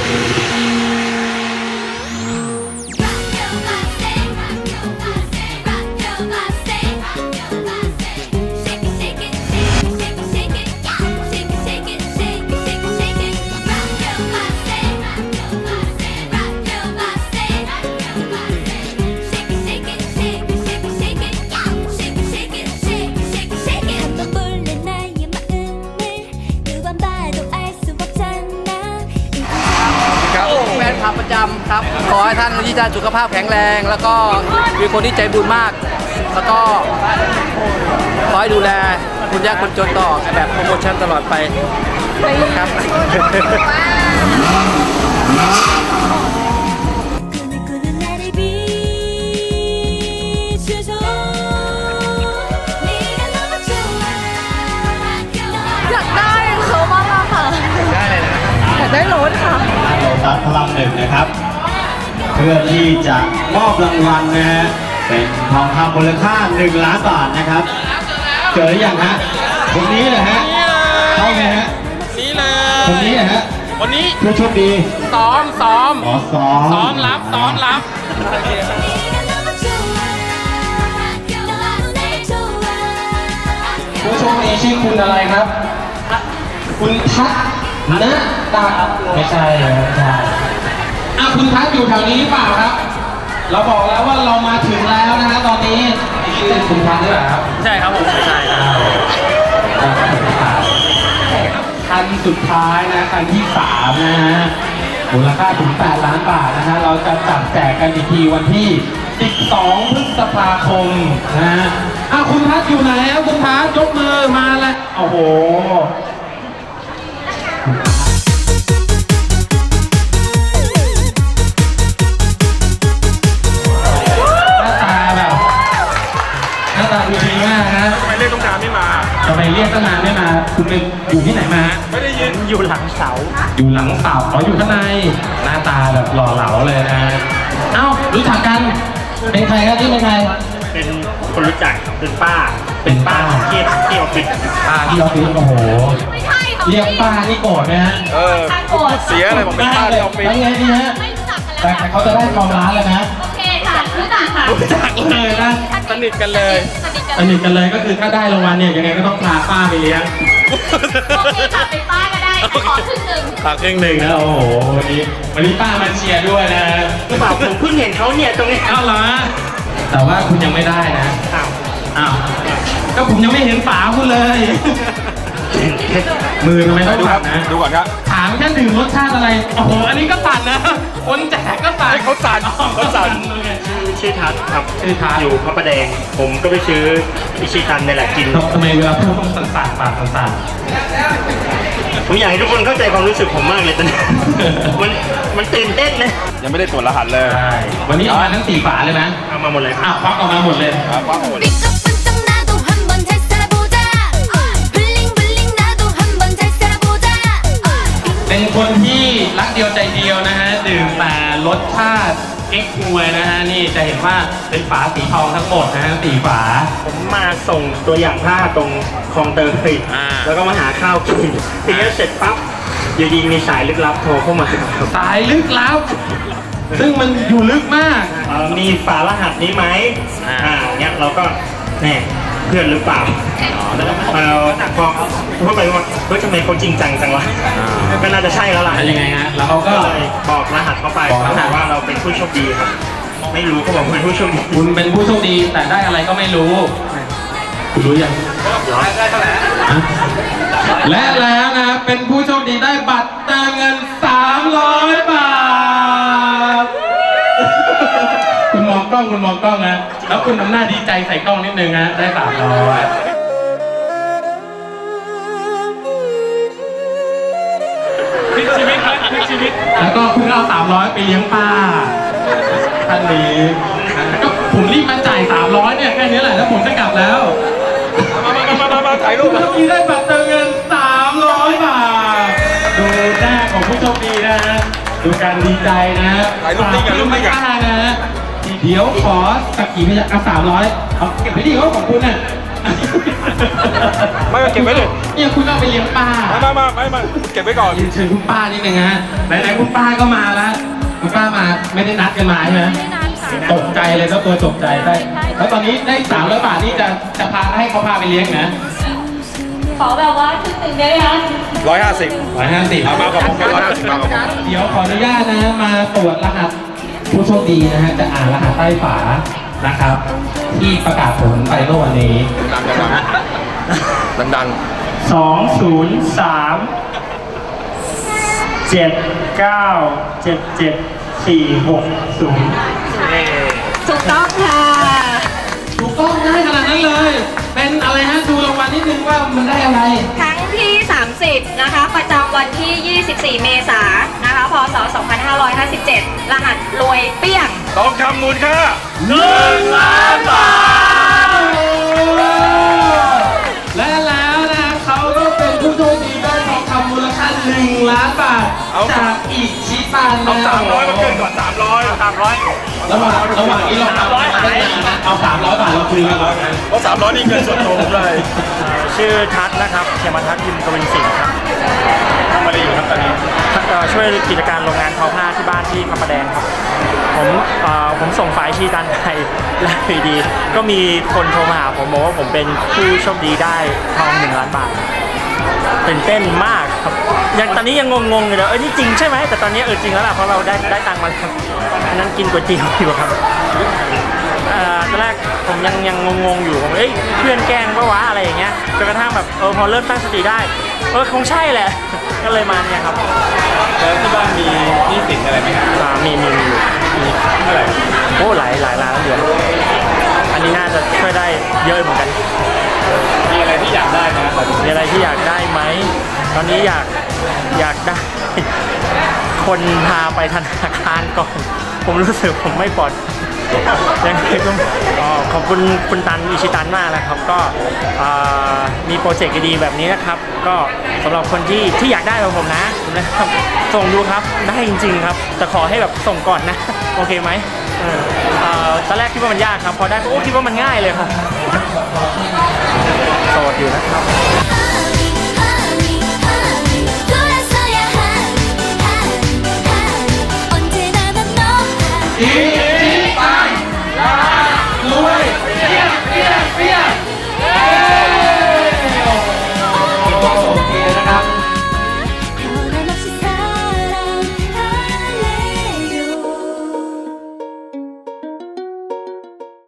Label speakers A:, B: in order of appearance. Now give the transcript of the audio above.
A: ประจำครับขอให้ท่านที่จะสุขภาพแข็งแรงแล้วก็มีคนที่ใจบุญมากแล้วก็ขอให้ดูแลคนยากคนจนต่อแบบโปรโมชั่นตลอดไปครับ
B: อยากได้เขามากค่ะได้เลยนะอยากได้รถค่ะโลตัสพลังหนึ่งนะครับเพื่อที่จะมอบรางวัลนะฮะเป็นทองคำมูลค่า1 ล้านบาทนะครับเจอหรือยังฮะคนนี้เลยฮะเข้าไงฮะนี่เลยคนนี้ฮะวันนี้ผู้โชคดีซ้อมอ๋อซ้อมรับผู้โชคดีชื่อคุณอะไรครับคุณทัศนะตาไม่ใช่คุณทัศอยู่แถวนี้หรือเปล่าครับเราบอกแล้วว่าเรามาถึงแล้วนะฮะตอนนี้ชื่อคุณทัศหรือเปล่าครับใช่ครับผมไม่ใช่ครับคันสุดท้ายนะคันที่3นะฮะมูลค่าถึง8 ล้านบาทนะฮะเราจะจับแจกกันอีกทีวันที่12 พฤษภาคมนะฮะคุณทัศอยู่ไหนครับคุณทัศยกมือมาแล้วโอ้โหหน้าตาดูดีมากนะทำไมเรียกตั้งนานไม่มาคุณเป็นอยู่ที่ไหนมาไม่ได้ยินอยู่หลังเสาอยู่ข้างในหน้าตาแบบหล่อเหลาเลยนะรู้จักกันเป็นใครครับที่เป็นใครเป็นคนรู้จักเป็นป้าที่ออฟฟิศโอ้โหเรียกป้านี่โกรธไหมฮะโกรธเสียอะไรผมเป็นป้าที่ออฟฟิศยังไงดีฮะแต่เขาจะได้ทองล้านเลยนะโอเคค่ะรู้จักเลยนะสนิทกันเลยก็คือถ้าได้รางวัลเนี่ยยังไงก็ต้องพาป้าไปเลี้ยงโอเคค่ะไปป้าก็ได้ขอครึ่งหนึ่งนะโอ้โหวันนี้ป้ามาเชียร์ด้วยนะหรือเปล่าผมเพิ่งเห็นเขาเนี่ยตรงนี้เหรอแต่ว่าคุณยังไม่ได้นะอ้าวก็ผมยังไม่เห็นฝาคุณเลยมือทำไมต้องดูครับดูก่อนครับถามแค่ดื่มรสชาติอะไรโอ้โหอันนี้ก็สั่นนะคนแจกก็สั่นเขาสั่นชื่อทัศน์ครับอยู่พระประแดงผมก็ไปซื้ออิชิคันนี่แหละกินทำไมเวลาพูดต้องสั่นปากสั่นผมอยากให้ทุกคนเข้าใจความรู้สึกผมมากเลยตอนนี้มันตื่นเต้นนะยังไม่ได้ตรวจรหัสเลยวันนี้เอามาทั้ง4 ฝาเลยนะเอามาหมดเลยควักออกมาหมดเลยเป็นคนที่รักเดียวใจเดียวนะฮะดื่มแต่รสชาติเก๊กฮวยนะฮะนี่จะเห็นว่าเป็นฝาสีทองทั้งหมดนะฮะ4 ฝาผมมาส่งตัวอย่างผ้าตรงคลองเตยแล้วก็มาหาข้าวกินทีนี้เสร็จปั๊บอยู่ดีมีสายลึกลับโทรเข้ามาสายลึกลับซึ่งมันอยู่ลึกมากมีฝารหัสนี้ไหมเนี้ยเราก็แน่เพื่อนหรือเปล่าพอพูดไปว่าเฮ้ยทำไมเขาจริงจังจังวะก็น่าจะใช่แล้วล่ะยังไงฮะแล้วเขาก็บอกรหัสเข้าไปว่าเราเป็นผู้โชคดีครับไม่รู้เขาบอกเป็นผู้โชคดีคุณเป็นผู้โชคดีแต่ได้อะไรก็ไม่รู้คุณรู้ยังได้เท่าไหร่และแล้วนะเป็นผู้โชคดีได้บัตรเติมเงิน300 บาทคุณมองกล้องนะแล้วคุณทำหน้าดีใจใส่กล้องนิดนึงฮะได้300พลิกชีวิตแล้วก็คุณเอา300ไปเลี้ยงป้าท่านนี้ก็ผมรีบมาจ่าย300เนี่ยแค่นี้แหละแล้วผมจะกลับแล้วมาถ่ายรูปผู้โชคดีได้บัตรเติมเงิน300 บาทดูหน้าของผู้โชคดีนะฮะดูการดีใจนะถ่ายรูปนี่กันป้านะเดี๋ยวขอสักกี่พยัก300เอาเก็บไปดีเขาของคุณน่ะ
C: ไม่เก็บไว้เลย
B: เนี่ยคุณเอาไปเลี้ยงป้า
C: ไม่เก็บไว้ก่อน
B: เชิญคุณป้านิดนึงฮะไหนๆคุณป้าก็มาแล้วคุณป้ามาไม่ได้นัดกันมาใช่ไหมตกใจเลยแล้วตัวตกใจได้แล้วตอนนี้ได้300 บาทนี่จะพาให้เขาพาไปเลี้ยงนะ
D: ขอแบบว่าชุดหนึ่งได้ไหมคะ
C: 150เอามากับผม150มากับผม
B: เดี๋ยวขออนุญาตนะฮะมาตรวจรหัสผู้โชคดีนะฮะจะอ่านรหัสใต้ฝานะครับ ที่ประกาศผลไปเมื่อวันนี้
C: ดัง
E: 203 797740
D: ถูกต้องค่ะ
B: ถูกต้องได้ขนาดนั้นเลย เป็นอะไรฮะดูรางวัลนิดนึงว่ามันได้อะไร
D: ครั้งที่ 30 นะคะประจำวันที่ 24 เมษายนนะคะ พศ 2557 รหัสรวยเปี้ยง
C: ทองคำมูลค่า
B: 1 ล้านบาทและแล้วนะเขาก็เป็นผู้โชคดีได้ทองคำมูลค่า1 ล้านบาทจากอิชิตัน
C: เอา300มาเกินก่อน300
B: ระหว่างนี้เราทำได้นะเอา300 บาทเราคุยกันก่อนนะ
C: เพราะ300นี่เกินส่วนตัวผมเลย
E: ชื่อทัศน์นะครับเขมทัศน์ยิมกวินสิงห์ครับ
C: ทำอะไรอยู่ครับตอนนี้
E: ช่วยกิจการโรงงานทอผ้าที่บ้านที่พระประแดงครับผมส่งไฟล์ชีตันไปแล้วดีก็มีคนโทรมาหาผมบอกว่าผมเป็นผู้โชคดีได้ทอง1 ล้านบาทตื่นเต้นมากครับยังตอนนี้ยังงงๆอยู่เลยนี่จริงใช่ไหมแต่ตอนนี้จริงแล้วล่ะเพราะเราได้ตังค์มาแล้วอันนั้นกินก๋วยเตี๋ยวอยู่ครับตอนแรกผมยังงงอยู่ผมเพื่อนแกล้งปะวะอะไรอย่างเงี้ยจนกระทั่งแบบพอเริ่มตั้งสติได้คงใช่แหละก็เลยมาเนี่ยครับ
C: แล้วที่บ้านมีหนี้สินอะไรไหมครับ
E: มีอยู่
C: เท่าไหร่
E: โอ้หลายล้านเหรียญอันนี้น่าจะช่วยได้เยอะเหมือนกัน
C: มีอะไรที่อยากได้ไหม
E: มีอะไรที่อยากได้ไหมตอนนี้อยากได้คนพาไปธนาคารก่อนผมรู้สึกผมไม่ปลอดยังไงก็ขอบคุณคุณตันอิชิตันมากนะครับก็มีโปรเจกต์ดีๆแบบนี้นะครับก็สำหรับคนที่อยากได้แบบผมนะครับส่งดูครับได้จริงๆครับแต่ขอให้แบบส่งก่อนนะโอเคไหมตอนแรกคิดว่ามันยากครับพอได้คิดว่ามันง่ายเลยครับโสดอยู่นะครับ